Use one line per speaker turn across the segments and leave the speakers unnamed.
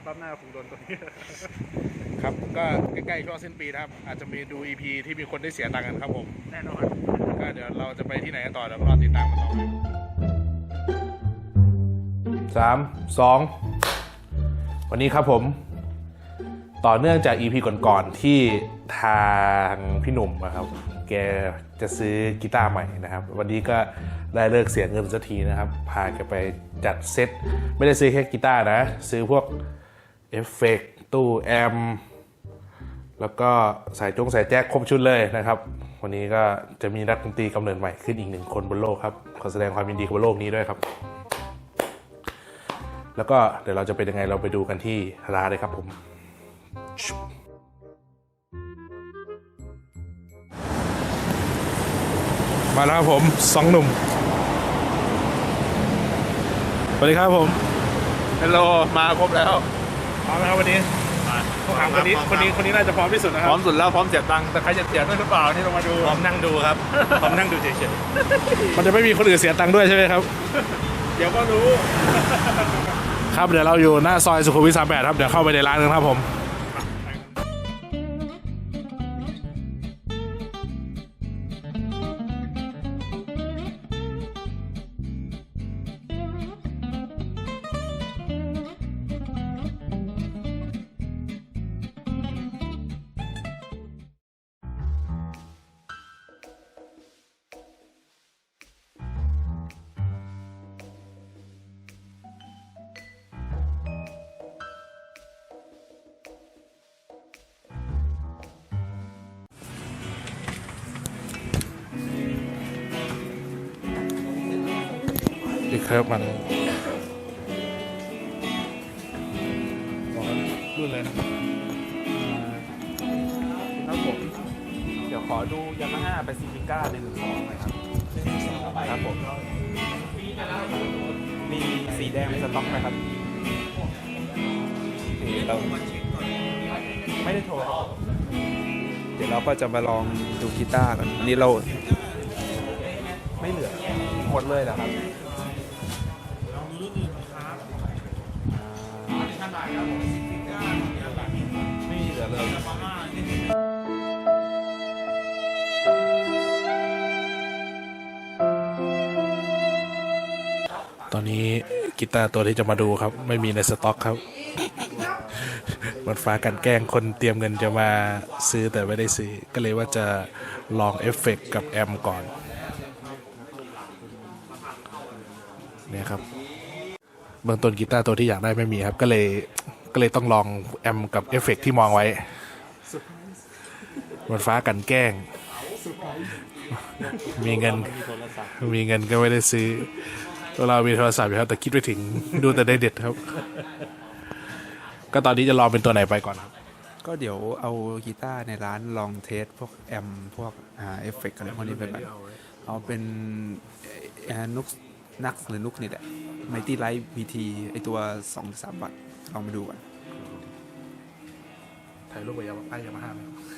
รอบหน้าคงโดนตัวนี้
ครับก็ใกล้ๆช่วงสิ้นปีนะครับอาจจะมีดู EP ที่มีคนได้เสียตังค์กันครับผม
แน่นอน
ก็เดี๋ยวเราจะไปที่ไหนกันต่อเดี๋ยวรอติดตามกันต่อ3 2วันนี้ครับผมต่อเนื่องจาก EP ก่อนๆที่ทางพี่หนุ่มนะครับแกจะซื้อกีตาร์ใหม่นะครับวันนี้ก็ได้เลิกเสียเงินสักทีนะครับพาแกไปจัดเซตไม่ได้ซื้อแค่กีตาร์นะซื้อพวกเอฟเฟกต์ตู้แอมแล้วก็สายแจ็คครบชุดเลยนะครับวันนี้ก็จะมีนักดนตรีกำเนิดใหม่ขึ้นอีก1 คนบนโลกครับขอแสดงความยินดีกับบนโลกนี้ด้วยครับแล้วก็เดี๋ยวเราจะเป็นยังไงเราไปดูกันที่ร้านเลยครับผมมาแล้วครับผม2 หนุ่มสวัสดีครับผมฮัลโหลมาครบแล้วพร้อมไหมครับวันนี้คนนี้น่าจะพร้อมที่สุดนะครับ
พร้อมสุดแล้วพร้อมเสียตังค์แต่ใครจะเสียด้วยหรือเปล่านี่ลงมาดู
พร้อมนั่งดูครับพร้อมนั่งดูเฉย
ๆมันจะไม่มีคนอื่นเสียตังค์ด้วยใช่ไหมครับ
เดี๋ยวก็รู้
ครับเดี๋ยวเราอยู่หน้าซอยสุขุมวิท38ครับเดี๋ยวเข้าไปในร้านกันครับผมอีกครับมันรุ่นเลย
ครับผมเดี๋ยวขอดูยามาฮ่าไปซิฟิก้า112หน่อยครับครับผมมีสีแดงในสต็อกไหมครับเราไม่ได้โทรเดี๋ยวเราก็จะมาลองดูกีตาร์กันอันนี้เราไม่เหลือหมดเลยเหรอครับไม่เหลือเลย
ตอนนี้กีตาร์ตัวที่จะมาดูครับไม่มีในสต็อกครับมันฟ้ากันแกล้งคนเตรียมเงินจะมาซื้อแต่ไม่ได้ซื้อก็เลยว่าจะลองเอฟเฟกต์กับแอมก่อนเนี่ยครับเบื้องต้นกีตาร์ตัวที่อยากได้ไม่มีครับก็เลยต้องลองแอมกับเอฟเฟกต์ที่มองไว้มันฟ้ากันแกล้งมีเงินก็ไม่ได้ซื้อเรามีโทรศัพท์อยู่ครับแต่คิดไปถึงดูแต่ได้เด็ดครับก็ตอนนี้จะลองเป็นตัวไหนไปก่อนครับ
ก็เดี๋ยวเอากีตาร์ในร้านลองเทสพวกแอมพวกเอฟเฟกต์อะไรพวกนี้ไปก่อนเอาเป็นนุกนักหรือนุกนี่แหละไมตี้ไลท์พีทีไอตัว 2-3 วัตต์ลองมาดูกัน
ถ่ายรูปกับยามาฮ่าไหม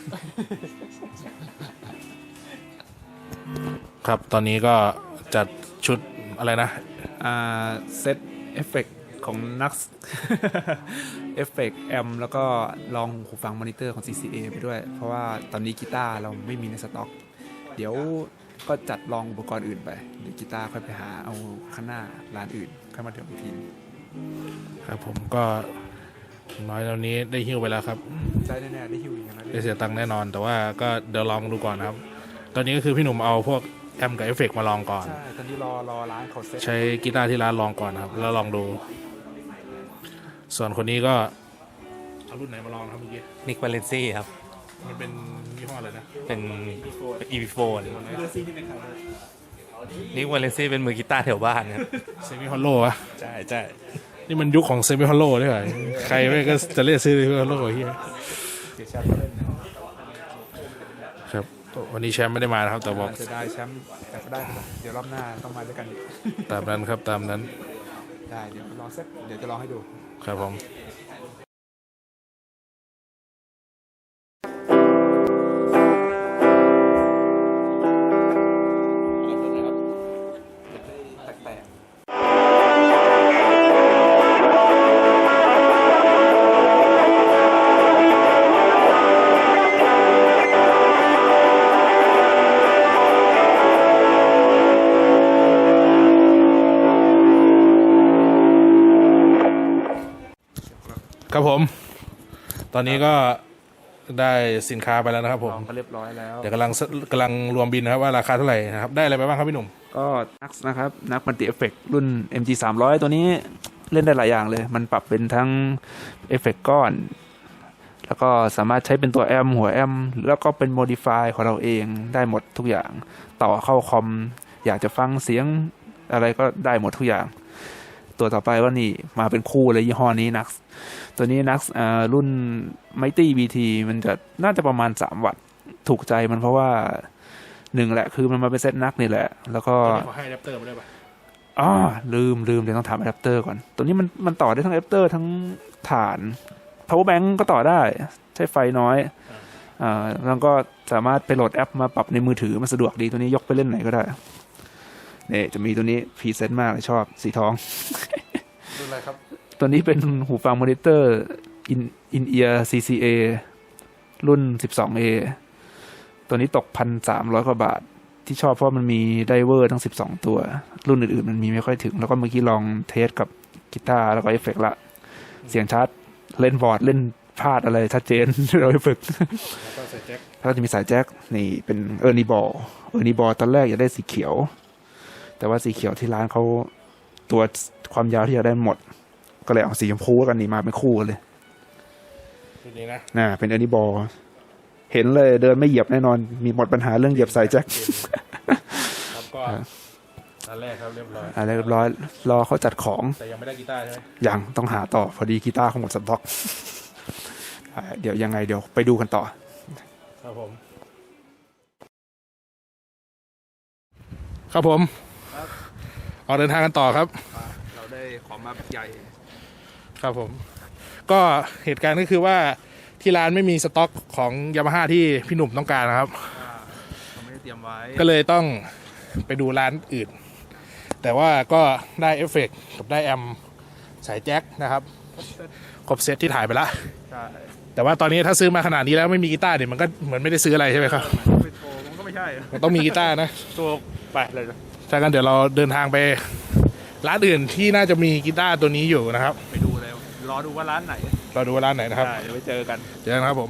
ครับตอนนี้ก็จัดชุดอะไรนะ
เซตเอฟเฟกต์ของนักเอฟเฟกต์แอมแล้วก็ลองหูฟังมอนิเตอร์ของ CCA ไปด้วยเพราะว่าตอนนี้กีตาร์เราไม่มีในสต็อกเดี๋ยวก็จัดลองอุปกรณ์อื่นไปเดี๋ยวกีตาร์ค่อยไปหาเอาข้างหน้าร้านอื่นค่อยมาเดี๋ยวอีกที
ครับผมก็น้อยตอนนี้ได้หิ้วไปแล้วครับ
ได้แน่ๆได้หิ้วอย่างนั้น
ได้เสียตังค์แน่นอนแต่ว่าก็เดี๋ยวลองดูก่อนครับตอนนี้ก็คือพี่หนุ่มเอาพวกแอมกับเอฟเฟกต์มาลองก่อน
ใช่ตอนนี้รอร้านเขาเซ็ต
ใช้กีตาร์ที่ร้านลองก่อนครับแล้วลองดูส่วนคนนี้ก็เอารุ่นไหนมาลองครับเมื่อกี้
นิกวาเลนซี่ครับ
มันเป็นยี่ห้ออะไรนะ
เป็น EP4 นิกวาเลนซี่เป็นมือกีตาร์แถวบ้านครับ
เซมิฮอลโลวะ
ใช่
นี่มันยุคของเซมิฮอลโลด้วยเหรอใครไม่ก็จะเรียกซื้อเซมิฮอลโลเฮียครับวันนี้แชมป์ไม่ได้มานะครับแต่บอก
จะได้แชมป์แต่ก็ได้เดี๋ยวรอบหน้าต้องมาด้วยกันอีก
ตามนั้นครับตามนั้น
ได้เดี๋ยวลองเซตเดี๋ยวจะลองให้ดู
ครับผมครับผม ตอนนี้ก็ได้สินค้าไปแล้วนะครับผม
ลองก็เรียบร้อยแล้ว
เดี๋ยวกำลังรวมบินนะครับว่าราคาเท่าไหร่นะครับ ได้อะไรไปบ้างครับพี่หนุ่ม
ก็นักนะครับนักมัลติเอฟเฟกรุ่น MG 300 ตัวนี้เล่นได้หลายอย่างเลย มันปรับเป็นทั้งเอฟเฟกก้อน แล้วก็สามารถใช้เป็นตัวแอมหัวแอมแล้วก็เป็นโมดิฟายของเราเองได้หมดทุกอย่าง ต่อเข้าคอม อยากจะฟังเสียงอะไรก็ได้หมดทุกอย่าง ตัวต่อไปว่านี่มาเป็นคู่เลยยี่ห้อนี้นักตัวนี้นักรุ่น Mighty BT มันจะน่าจะประมาณ3 วัตต์ถูกใจมันเพราะว่าหนึ่งแหละคือมันมาเป็นเซตนักนี่แหละ แล้วก็
ขอให้อะแดปเตอร์มาได้ปะ
อ๋อลืมเดี๋ยวต้องถามอะแดปเตอร์ก่อน ตัวนี้มันต่อได้ทั้งอะแดปเตอร์ทั้งฐาน power bank ก็ต่อได้ใช้ไฟน้อยแล้วก็สามารถไปโหลดแอปมาปรับในมือถือมันสะดวกดีตัวนี้ยกไปเล่นไหนก็ได้เนี่ยจะมีตัวนี้พรีเซนต์มากเลยชอบสีทอง
รุ่นอะไรครับ
ตัวนี้เป็นหูฟังมอนิเตอร์in-ear CCA รุ่น 12A ตัวนี้ตก 1,300 กว่าบาทที่ชอบเพราะมันมีไดเวอร์ทั้ง12 ตัวรุ่นอื่นๆมันมีไม่ค่อยถึงแล้วก็เมื่อกี้ลองเทสกับกีตาร์แล้วก็เอฟเฟกต์ละเสียงชัดเล่นบอร์ดเล่นพลาดอะไรชัดเจน เราไปฝึก
แล้วก็ใส่แจ็ค
แล้วจะมีสายแจ็คนี่เป็นเออร์นีบอลตอนแรกอยากได้สีเขียว แต่ว่าสีเขียวที่ร้านเขาตัวความยาวที่อยากได้หมด ก็เลยเอาสีชมพูกันนี่มาเป็นคู่กันเลย
รุ่นนี้นะ
เป็นเออร์นีบอลเห็นเลยเดินไม่เหยียบแน่นอนมีหมดปัญหาเรื่องเหยียบสายแจ็ค
ครับก็อันแรกครับเรียบร้อย
อะไรเรียบร้อยรอเขาจัดของ
แต่ยังไม่ได้กีตาร์ใช่ไหม
ยังต้องหาต่อพอดีกีตาร์เขาหมดสต็อก เดี๋ยวยังไงเดี๋ยวไปดูกันต่อ
ครับผม ครับผมออกเดินทางกันต่อครับ
เราได้ของมาใหญ่
ครับผม ก็เหตุการณ์ก็คือว่าที่ร้านไม่มีสต็อกของยามาฮ่าที่พี่หนุ่มต้องการนะครับ
เราไม่ได้เตรียมไว้
ก็เลยต้องไปดูร้านอื่น แต่ว่าก็ได้เอฟเฟกต์กับได้แอมสายแจ็คนะครับ ครบเซตที่ถ่ายไปแล้ว
ใช่
แต่ว่าตอนนี้ถ้าซื้อมาขนาดนี้แล้วไม่มีกีตาร์เนี่ยมันก็เหมือนไม่ได้ซื้ออะไรใช่ไหมครับ
ไปโชว์มันก็ไม่ใช่
มันต้องมีกีตาร์นะ
โชว์ไปเลย
ถ้ากันเดี๋ยวเราเดินทางไปร้านอื่นที่น่าจะมีกีตาร์ตัวนี้อยู่นะครับ
ไปดูเลยรอดูว่าร้านไหน
เราดูว่าร้านไหนนะครับ
ใช่เดี๋ยวไปเจอกัน
เจอกันครับผม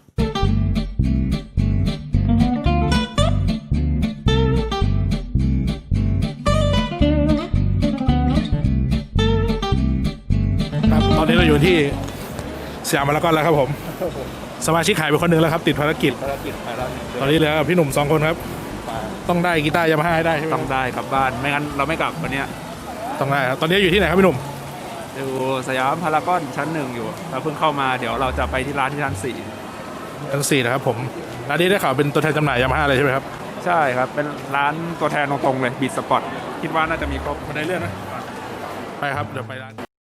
ครับตอนนี้เราอยู่ที่สยามพารากอนแล้วครับผม สมาชิกหายไปคนหนึ่งแล้วครับ ติดภารกิจ
ภารกิจไปแล้ว
ตอนนี้เหลือพี่หนุ่ม2 คนครับ ต้องได้กีตาร์ยามาฮ่าให้ได้ใช่ไหม
ต้องได้กลับบ้านไม่งั้นเราไม่กลับวันเนี้ย
ต้องได้ครับตอนนี้อยู่ที่ไหนครับพี่หนุ่ม
อยู่สยามพารากอนชั้น 1อยู่เราเพิ่งเข้ามาเดี๋ยวเราจะไปที่ร้านที่ชั้น
ชั้น4นะครับผมร้านนี้ได้ข่าวเป็นตัวแทนจำหน่ายยามาฮ่าเลยใช่ไหมครับ
4ใช่ครับเป็นร้านตัวแทนตรงๆเลยบีทสปอร์ตคิดว่าน่าจะมีครบ
มาได้เรื่องนะไปครับเดี๋ยวไปร้าน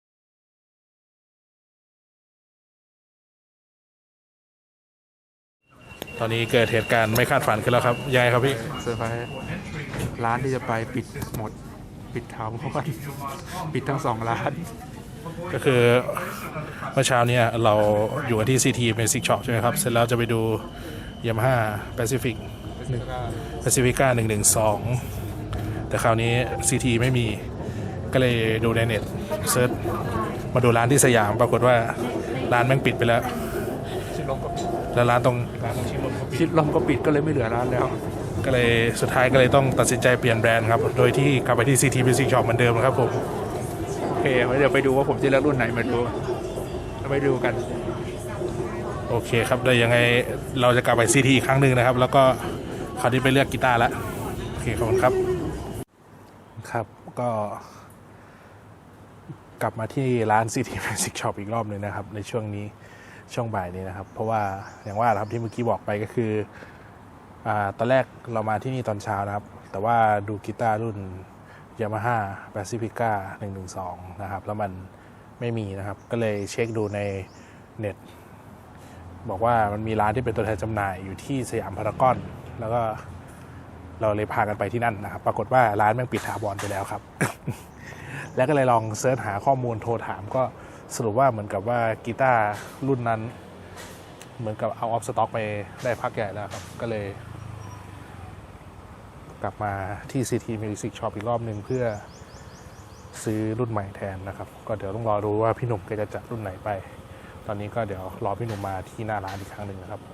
ตอนนี้เกิดเหตุการณ์ไม่คาดฝันขึ้นแล้วครับยังไงครับพี่
เซอร์ไพรส์ร้านที่จะไปปิดหมดปิดถาวรปิดทั้ง2 ร้าน
ก็คือเมื่อเช้าเนี้เราอยู่กันที่ CT Basic Shop ใช่ไหมครับ เสร็จแล้วจะไปดู Yamaha Pacific Pacifica 112 แต่คราวนี้ CT ไม่มีก็เลยดูในเน็ตเซิร์ชมาดูร้านที่สยามปรากฏว่าร้านแม่งปิดไปแล้วแล้วร้านตรง
ชิดลมก็ปิดก็เลยไม่เหลือร้านแล้ว
ก็เลยสุดท้ายก็เลยต้องตัดสินใจเปลี่ยนแบรนด์ครับ โดยที่กลับไปที่ CT Basic Shop เหมือนเดิมครับผม
โอเคเดี๋ยวไปดูว่าผมจะเลือกรุ่นไหนมาดูเราไปดูกัน
โอเคครับเดี๋ยวยังไงเราจะกลับไป CT อีกครั้งหนึ่งนะครับ แล้วก็คราวนี้ไปเลือกกีตาร์แล้วโอเคขอบคุณครับครับก็กลับมาที่ร้าน CT Basic Shop อีกรอบหนึ่งนะครับในช่วงนี้ช่วงบ่ายนี้นะครับเพราะว่าอย่างว่าครับที่เมื่อกี้บอกไปก็คือตอนแรกเรามาที่นี่ตอนเช้านะครับแต่ว่าดูกีตาร์รุ่น Yamaha Pacifica 112 นะครับแล้วมันไม่มีนะครับก็เลยเช็คดูในเน็ตบอกว่ามันมีร้านที่เป็นตัวแทนจำหน่ายอยู่ที่สยามพารากอนแล้วก็เราเลยพากันไปที่นั่นนะครับปรากฏว่าร้านแม่งปิดถาวรไปแล้วครับ แล้วก็เลยลองเสิร์ชหาข้อมูลโทรถามก็สรุปว่าเหมือนกับว่ากีตาร์รุ่นนั้นเหมือนกับเอาออฟสต็อกไปได้พักใหญ่แล้วครับก็เลยกลับมาที่ CT Music Shop อีกรอบหนึ่งเพื่อซื้อรุ่นใหม่แทนนะครับก็เดี๋ยวต้องรอดูว่าพี่หนุ่มแกจะจัดรุ่นไหนไปตอนนี้ก็เดี๋ยวรอพี่หนุ่มมาที่หน้าร้านอีกครั้งหนึ่งนะครับ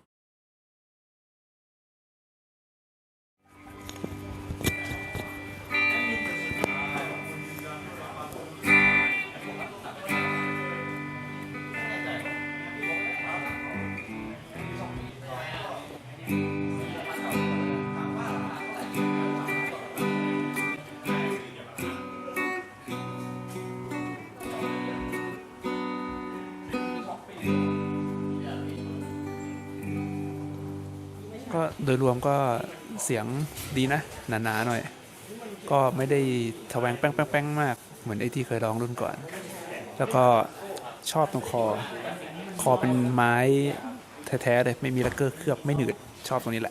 ก็โดยรวมก็เสียงดีนะ หนาๆหน่อย ก็ไม่ได้ทะแวงแป้งๆมาก เหมือนไอ้ที่เคยร้องรุ่นก่อน แล้วก็ชอบตรงคอเป็นไม้แท้ๆเลย ไม่มีลักเกอร์เคลือบไม่หนืด ชอบตรงนี้แหละ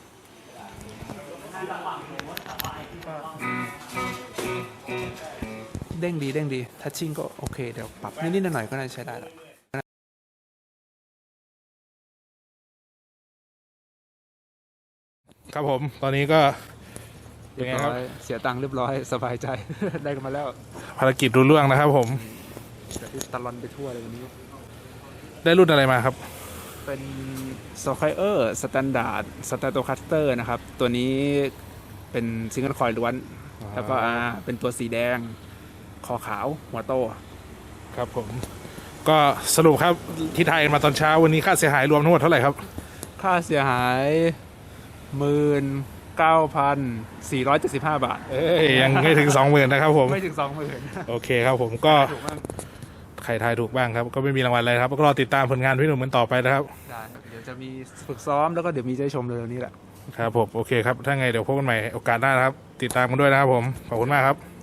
เด้งดีทัชชิ่งก็โอเค เดี๋ยวปรับนิดๆหน่อยๆก็น่าจะใช้ได้แล้ว
ครับผมตอนนี้ก็
เรียบร้อยเสียตังค์เรียบร้อยสบายใจ ได้กันมาแล้ว
ภารกิจรุ่ล่วงนะครับผม
แต่ที่ตะลอนไปทั่วเลยวันนี้
ได้รุ่นอะไรมาครับ
เป็น s q u i r e Standard Stratocaster นะครับ ตัวนี้เป็นซิงเกิลคอยล์ล้วน แล้วก็เป็นตัวสีแดง คอขาว หัวโต
ครับผมก็สรุปครับที่ไทยมาตอนเช้าวันนี้ค่าเสียหายรวมทั้งหมดเท่าไหร่ครับ
ค่าเสียหาย 19,475 บาท
เอ้ยยังไม่ถึง 20,000นะครับผม
ไม่ถึง 20,000
โอเคครับผมก็
ถูกมาก
ใครทายถูกบ้างครับ ก็ไม่มีรางวัลอะไรครับก็รอติดตามผลงานพี่หนุ่มกันต่อไปนะครับ
ได้เดี๋ยวจะมีฝึกซ้อมแล้วก็เดี๋ยวมีจะได้ชมเร็วๆนี้แหละ
ครับผมโอเคครับถ้าไงเดี๋ยวพบกันใหม่โอกาสหน้านะครับ ติดตามกันด้วยนะครับผมขอบคุณมากครับ